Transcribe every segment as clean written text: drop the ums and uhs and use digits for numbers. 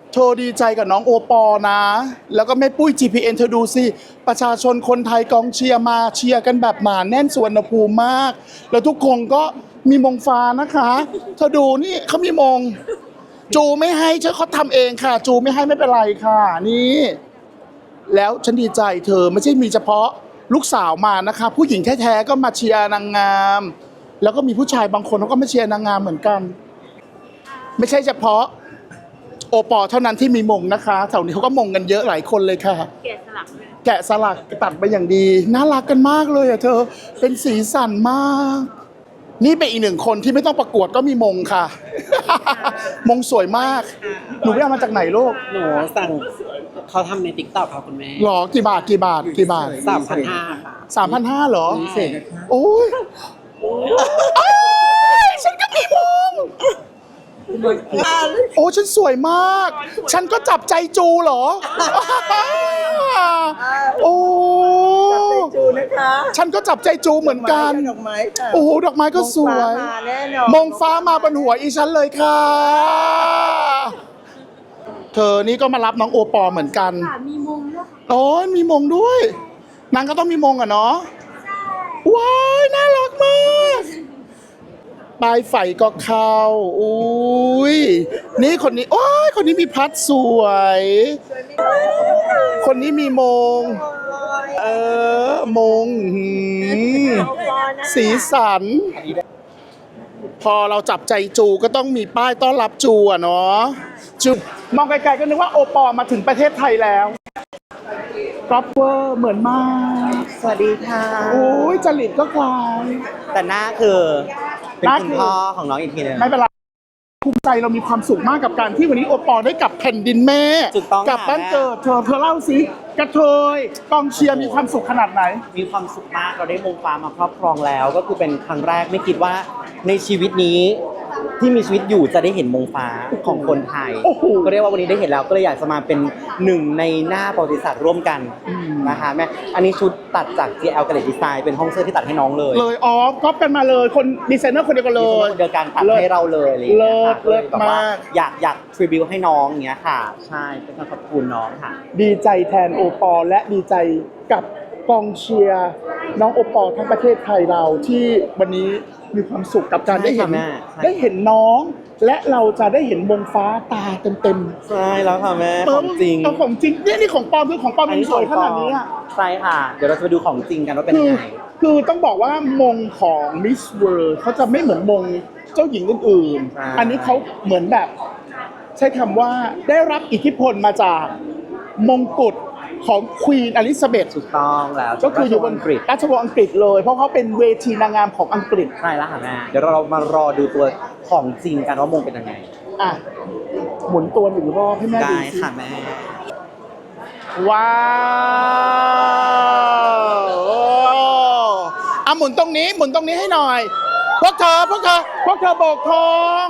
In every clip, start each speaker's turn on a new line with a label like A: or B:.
A: เธอดีใจกับน้องโอปอนะ แล้วก็แม่ปุ้ย GPN เธอดูสิ ประชาชนคนไทยกองเชียร์มาเชียร์กันแบบหนาแน่นสุวรรณภูมิมาก แล้วทุกคนก็มีมงฟ้านะคะเธอดูนี่เขามีมง จูไม่ให้เธอเขาทำเองค่ะ จูไม่ให้ไม่เป็นไรค่ะนี่ แล้วฉันดีใจเธอไม่ใช่มีเฉพาะลูกสาวมานะคะ ผู้หญิงแท้ๆก็มาเชียร์นางงาม แล้วก็มีผู้ชายบางคนเขาก็มาเชียร์นางงามเหมือนกัน ไม่ใช่เฉพาะโอปอเท่านั้นที่มีมงนะคะแถวนี้เขาก็มงกันเยอะหลายคนเลยค่ะ
B: แกะสลักเลย
A: แกะสลักตัดไปอย่างดีน่ารักกันมากเลยอะเธอเป็นสีสันมาก นี่เป็นอีกหนึ่งคนที่ไม่ต้องประกวดก็มีมงค่ะ มงสวยมากหนูไปเอามาจากไหนลูก
C: หนูสั่งเขาทำในติ๊กต็อกค่ะคุณแม่
A: หรอกี่บาทกี่บาทกี่บาท
C: 3,500ค่ะ
A: 3,500เหรอ
C: พิเศษนะคะ
A: โอ้ยฉันก็มีมงโอ้ฉันสวยมาก ฉันก็จับใจจูเหรอ โอ้
D: จูนะคะ
A: ฉันก็จับใจจูเหมือนกัน
D: ดอกไม้ค่ะ
A: โอ้โหดอกไม้ก็สวย
D: มงฟ้ามาแน่นอน
A: มงฟ้ามาบนหัวอีฉันเลยค่ะ เธอนี่ก็มารับน้องโอปอเหมือนกัน
B: ค่ะมีมุมด้วยค่ะ
A: โอ้ยมีมงด้วย นางก็ต้องมีมงอะเนาะว้ายน่ารักมากปลายไฟก็เข้าอุ้ยนี่คนนี้โอ้ยคนนี้มีพัดสวย คนนี้มีมง มงสีสัน พอเราจับใจจูก็ต้องมีป้ายต้อนรับจูอะเนาะจูมองไกลๆก็นึกว่าโอปอมาถึงประเทศไทยแล้วกรอบเวอร์เหมือนมาก
D: สวัสดีค่ะ
A: โอ้ยจริตก็คล้าย
C: แต่หน้าคือเป็น
A: หน้า
C: คุณ
A: คือ
C: พ่อของน้องอีกทีหนึง
A: ไม่เป็นไรภูมิใจเรามีความสุขมากกับการที่วันนี้โอปอได้กลับแผ่นดินแม่
C: ถูกต้อง
A: กลับ
C: ค่ะ
A: บ้านเกิดเธอเล่าสิกระเทยกองเชียร์มีความสุขขนาดไหน
C: มีความสุขมากเราได้มงฟ้ามาครอบครองแล้ว ก็คือเป็นครั้งแรกไม่คิดว่าในชีวิตนี้ที่มีชีวิตอยู่จะได้เห็นมงฟ้าของคนไทย
A: โอ้โห
C: ก็เรียกว่าวันนี้ได้เห็นแล้วก็เลยอยากจะมาเป็นหนึ่งในหน้าประวัติศาสตร์ร่วมกันนะคะแม่อันนี้ชุดตัดจาก GL Gallery Design เป็นห้องเสื้อที่ตัดให้น้องเลย
A: เลยอ๋อก๊อปกันมาเลยคนดีไซเนอร์คนเดียวกันเล
C: มี
A: ย
C: คนเดียวกันตัดให้เราเลยอะไรอย่างเงี้ยค่ะ
A: เลิศ
C: แบบว่
A: มาก
C: อยากทริบิวให้น้องอย่างเงี้ยค่ะ ใช่เป็นการขอบคุณน้องค่ะ
A: ดีใจแทนโอปอและดีใจกับกองเชียร์น้องโอปอทั้งประเทศไทยเราที่วันนี้มีความสุขกับการได้เห็น
C: ใช่ค่ะแม่ใช่
A: ได้เห็นน้อง และเราจะได้เห็นมงฟ้าตาเต็ม
C: ใช่แล้วค่ะแม่
A: ๆ
C: ของจริง
A: เอาของจริงนี่ของปลอมคือของปลอมมันสวยขนาดนี้อะ
C: ใช่ค่ะ เดี๋ยวเราจะไปดูของจริงกันว่าเป็น
A: คื
C: ยั
A: อง
C: ไง
A: คือต้องบอกว่ามงของ Miss World เขาจะไม่เหมือนมงเจ้าหญิงอื่น
C: ใช่
A: ๆ อันนี้เขาเหมือนแบบ ใช้คำว่าได้รับอิทธิพลมาจากมงกุฎของควีนอลิซาเบธ
C: ถูกต้องแล้ว
A: ก็คืออยู่บน
C: อังกฤษ
A: ราชวงศ์อังกฤษเลย เพราะเขาเป็นเวทีนางงามของอังกฤษ
C: ใช่แล้วค่ะแม่เดี๋ยวเรามารอดูตัวของจริงกันว่ามงเป็นยังไง
A: อ่ะ หมุนตัวหนึ่งรอบให้แม่
C: ได้
A: ดูสิ
C: ค่ะแม่
A: ว้าวโอ้อ่ะหมุนตรงนี้ให้หน่อย พวกเธอโบกธง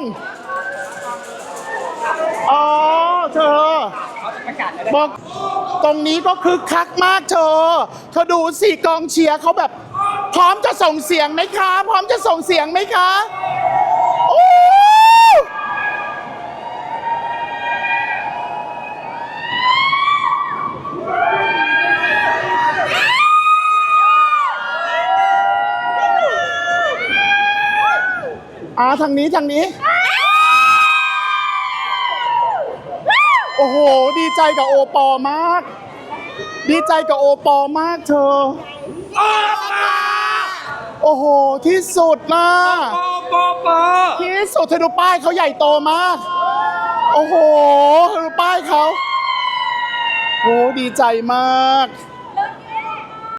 A: อ๋อเธอบอกตรงนี้ก็คึกคักมากเธอดูสิกองเชียร์เขาแบบ พร้อมจะส่งเสียงไหมคะ พร้อมจะส่งเสียงไหมคะโอ้ทางนี้ โอ้โห ดีใจกับโอปอมาก ดีใจกับโอปอมากเธอ โอ้โห ที่สุดนะที่สุดเธอดูป้ายเขาใหญ่โตมาก โอ้โหเธอดูป้ายเขาโอ้ดีใจมาก